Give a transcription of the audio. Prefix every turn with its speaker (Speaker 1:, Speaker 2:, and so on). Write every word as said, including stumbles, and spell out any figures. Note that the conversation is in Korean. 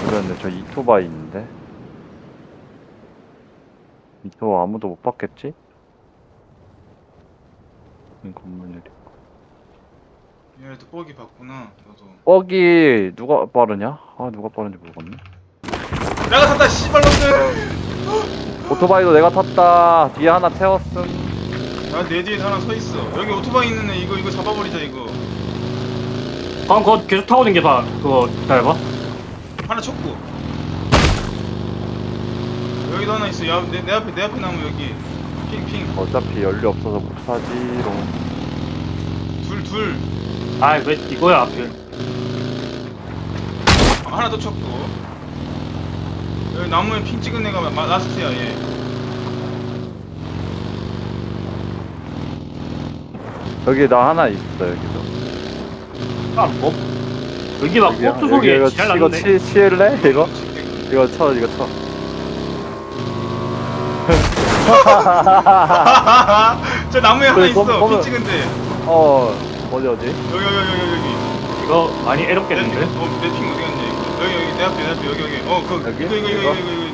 Speaker 1: 그런데 저 이토바이 있는데 이토 아무도 못 봤겠지? 이 건물
Speaker 2: 얘도 뻑이 봤구나. 너도.
Speaker 1: 뻑이 누가 빠르냐? 아 누가 빠른지 모르겠네.
Speaker 2: 내가 탔다 씨발놈들.
Speaker 1: 오토바이도 내가 탔다. 뒤에 하나 태웠음.
Speaker 2: 야내 뒤에 하나 서 있어. 여기 오토바이 있는 애 이거 이거 잡아버리자 이거.
Speaker 3: 방금 그거 계속 타고 댕겨봐. 그거 기다려봐.
Speaker 2: 하나 쳤고. 여기도 하나 있어. 야, 내, 내 앞에 내 앞에 나무 여기. 핑핑.
Speaker 1: 어차피 연료 없어서 못하지롱.
Speaker 2: 둘 둘.
Speaker 3: 아, 왜 이거야, 하필.
Speaker 2: 아, 하나 더 쳤고. 여기 나무에 핑 찍은 애가 마, 라스트야 얘.
Speaker 1: 여기 나 하나 있어 여기도.
Speaker 3: 아, 뭐? 여기 막
Speaker 1: 여기야,
Speaker 3: 폭주 소리
Speaker 1: 이거,
Speaker 3: 잘
Speaker 1: 이거
Speaker 3: 나는데?
Speaker 1: 치, 치울래? 이거?
Speaker 2: 칠게.
Speaker 1: 이거 쳐 이거 쳐.
Speaker 2: 저 나무에 하나
Speaker 1: 그래,
Speaker 2: 있어.
Speaker 1: 검- 검은-
Speaker 2: 핑 찍은 데.
Speaker 1: 어 어디 어디?
Speaker 2: 여기 여기 여기 여기 여기.
Speaker 3: 이거 많이 애롭겠는데?
Speaker 2: 어내 핑 어디 갔냐 이거. 여기 여기 내 앞에 내 앞에 여기 여기. 어 그
Speaker 1: 여기?
Speaker 2: 이거 이거 이거
Speaker 1: 이거?
Speaker 2: 이거 이거